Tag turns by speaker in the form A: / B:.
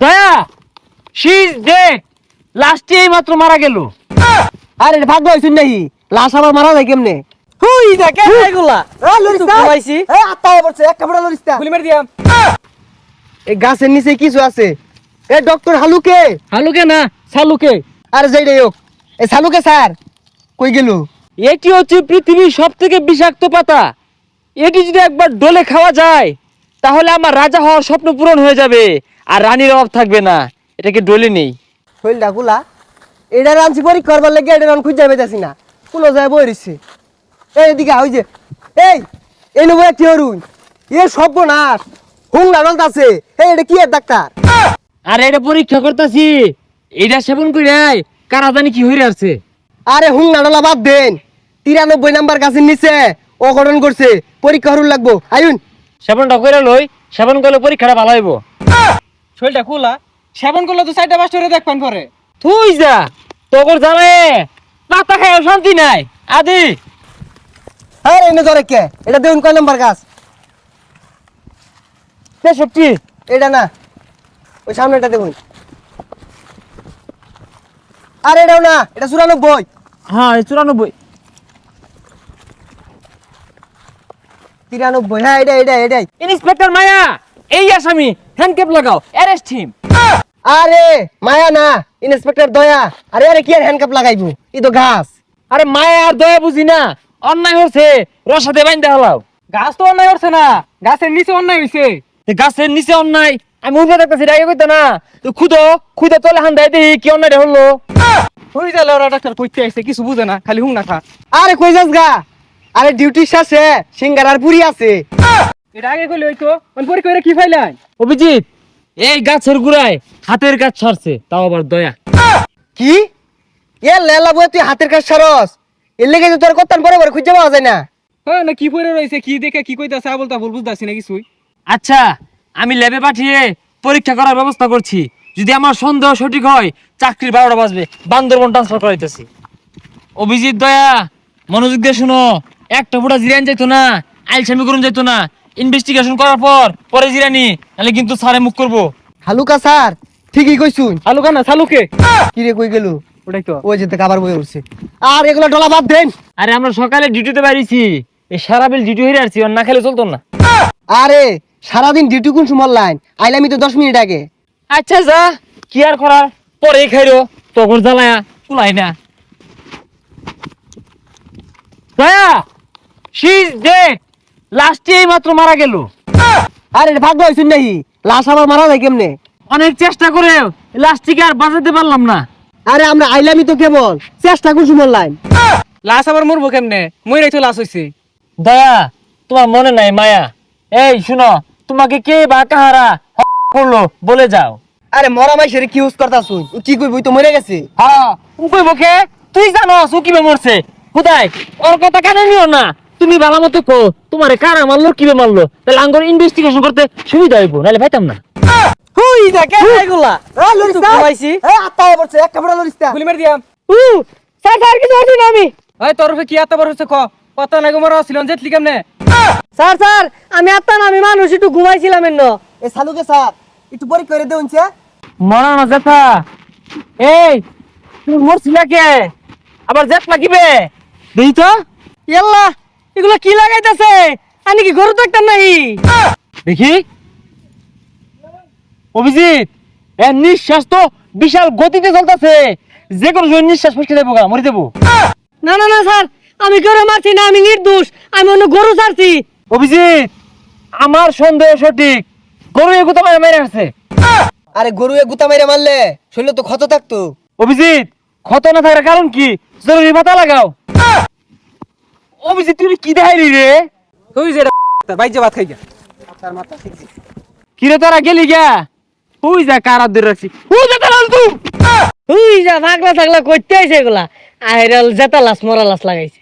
A: দয়া she is dead. লাস্টে এই মাত্র মারা গেল।
B: আরে ভাগ্য হইছুন নাহি, লাশ আবার মারা যায় কেমনে?
C: হুই যা কে এগুলা ঘুমাইছি
B: আত্মায় পড়ছে, এক কাপড় লরিস্তা।
C: গুলি মার দিয়াম।
B: এই গাছের নিচে কিছু আছে। A doctor হালুকে।
A: হালুকে না সালুকে।
B: আরে যাই হোক, এ সালুকে স্যার কই গেল?
A: এটি হচ্ছে পৃথিবীর সব থেকে বিষাক্ত পাতা। এটি যদি একবার ডলে খাওয়া যায় তাহলে আমার রাজা হওয়ার স্বপ্ন পূরণ হয়ে যাবে আর রানীর অভাব থাকবে না। এটাকে ডলে নেই।
B: শৈলটা গুলা এটা রাঁধছি পরীক্ষা করবার লেগে এটা রান খুঁজে পেতেছি না, কুলো যায় বই রইছে। এই এদিকে ওই যে এই নেবো কি হরুন, এ সর্বনাশ হুং লাগাল আছে। এই এটা কি এর ডাক্তার?
A: আর এটা পরীক্ষা করতেছি, এটা সেবন করে কারা জানি কি হয়ে আছে।
B: আরে হুং নাডলা বাদ দেন, 93 নাম্বার গাছের নিচে অঘটন করছে, পরীক্ষা হরুন লাগবো। আয়ুন
A: সেবনটা করে লই, সেবন করলে পরীক্ষাটা ভালো হইব।
C: শরীরটা খোলা, সেবন করলে তো 4টা 5টা দেখবেন পরে।
A: তুই যা তোর জানে পাতা খায় শান্তি নাই আদি।
B: আরে এনে ধরে কে? এটা দেখুন কয় নাম্বার গাছ?
A: 63।
B: এটা না, ওই সামনেটা দেখুন। আরে এটাও না, এটা 94।
A: হ্যাঁ 94।
B: 93, হ্যাঁ এটাই।
A: ইন্সপেক্টর মায়া এই আসামি, হ্যান্ডক্যাপ লাগাও, অ্যারেস্ট হিম।
B: আরে মায়া না, ইন্সপেক্টর দয়া। আরে কি আর হ্যান্ডকাপ লাগাইবো, ই তো গাছ।
A: আরে মায়া আর দয়া বুঝি না, অন্যায় হচ্ছে রসাতে বাইন্দা হলাও।
C: গাছ তো অন্যায় করছে না, গাছের নিচে অন্যায় হইছে।
A: গাছের নিচে অন্যায় আমি উঠে দেখতেছি, আগে কইতা না তো খুদে তলে হান দেয় দেখি কি অন্যায় হলো।
C: হুই যা ওরা ডাক্তার কইতে আইছে, কিছু বুঝে না, খালি হুং না খা।
B: আরে কই যাস গা? আরে ডিউটি শেষে সিঙ্গার আর পুরি আছে।
C: এটা আগে কইলে হইতো, মানে পরীক্ষা করে কি ফাইলাই?
A: অভিজিৎ এই গাছের গুড়ায় হাতের কাজ ছাড়ছে, তাও আবার দয়া।
B: কি এ লেলা বই, তুই হাতের কাজ সারস? এর লেগে তো তোর কত্তান পরে পরে খুঁজে পাওয়া যায় না।
C: হ্যাঁ না, কি পরে রইছে, কি দেখে কি কইতাছে আবল তাবল বুঝতাছি না কিছুই।
A: আচ্ছা আমি ল্যাবে পাঠিয়ে পরীক্ষা করার ব্যবস্থা করছি, যদি আমার সন্দেহ সঠিক হয় চাকরির 12টা বাজবে, বান্দরবন ট্রান্সফার করাইতেছি। অভিজিৎ দয়া মনোযোগ দিয়ে শুনো, একটা ফোঁটা জিরান যাইতো না, আইলসামি করুন যাইতো না। ইনভেস্টিগেশন করার পরে জিরানি, নাহলে কিন্তু স্যারে মুখ করবো।
B: হালুকা স্যার ঠিকই কইছুন।
C: আলুকা না সালুকে।
B: কি রে কই গেল?
C: ওটাই তো।
B: ওই যেতে খাবার বই উঠছে। আর এগুলো ডলা বাদ দেন।
A: আরে আমরা সকালে ডিউটিতে বেরিয়েছি, এই সারা বিল ডিউটি হয়ে আসছি, আর না খেলে চলতো না।
B: আরে সারাদিন ডিউটি কোন সময় লাইন আইলামি তো 10 মিনিট আগে।
A: আচ্ছা যা, কি আর করার, পরে খাইরো, তখন জ্বালায়া কুলাই না। দয়া শি ইজ ডেড। লাস্টে এই মাত্র মারা গেল।
B: আরে ভাগ্য হইছুন নাহি, লাশ আবার মারা যায় কেমনে?
A: অনেক চেষ্টা করে লাস্টটিকে আর বাঁচাতে পারলাম না।
B: আরে আমরা আইলামি তো কেবল, চেষ্টা কোন সময় লাইন।
C: লাশ আবার মরবো কেমনে? মইরাই তো লাশ হইছে।
A: দয়া তোমার মনে নাই মায়া? এই শুনো, তোমাকে কে বা কাহারা করলো বলে যাও।
B: আরে মরা মাইশের কি ইউজ করতাছুন? ও কি কইবই তো মরে গেছে।
A: হ্যাঁ কই বকে, তুই জানো ও কিভাবে মরছে? খুদাই ওর কথা কানে নিও না, তুমি ভালো মতো কো তোমারে কারা মারলো কিভাবে মারলো, তাহলে আঙ্গর ইনভেস্টিগেশন করতে সুবিধা হইব, নাহলে পাইতাম না।
C: হুই যা কে এগুলা ঘুমাইছি।
B: আত্মায় পড়ছে, এক কাপড় লরিস্তা।
C: গুলি মার দিয়াম।
A: স্যার স্যার কিছু হচ্ছে না আমি।
C: ওই তোর কি এত বড় হচ্ছে ক? কত নাগে মরা ছিল জেটলি কেমনে?
B: স্যার আমি আত্মা না, আমি মানুষ একটু ঘুমাইছিলাম এন্ন। এ সালুকে স্যার একটু পরীক্ষা করে দেউনছে।
A: মরা না জেঠা, এই তুমি মরছিলা কে? আবার জেঠ লাগিবে দেই তো।
B: ইয়াল্লা এগুলা কি লাগাইতাছে? আনি কি গরু দেখতাম নাহি?
A: দেখি অভিজিৎ, এর নিঃশ্বাস তো বিশাল গতিতে চলতেছে, যে কোনো সময় নিঃশ্বাস ফসকে যাবো, মরে যাবো।
B: না স্যার, আমি গরু মারছি না, আমি নির্দোষ, আমি অন্য গরু ছাড়ছি।
A: অভিজিৎ আমার সন্দেহ সঠিক, গরু এগুতো মেরে আসছে।
B: আরে গরু এ গুতা মেরে মারলে শরীরে তো ক্ষত থাকতো।
A: অভিজিৎ ক্ষত না থাকার কারণ কি? জরুরি মাথা লাগাও। অভিজিৎ তুই কি দেখাইলি রে?
C: হুই যে বাইজে ভাত খাই গা। তার মাথা ঠিক আছে।
A: কিরে তোরা গেলি গা? হুই যা কারা ধরে রাখছি, হুই যা তালাল তুই।
B: হুই যা ভাগলা থাকলা কইতে আইছে এগুলা। আইরাল জেতা লাস মরা লাস লাগাইছে।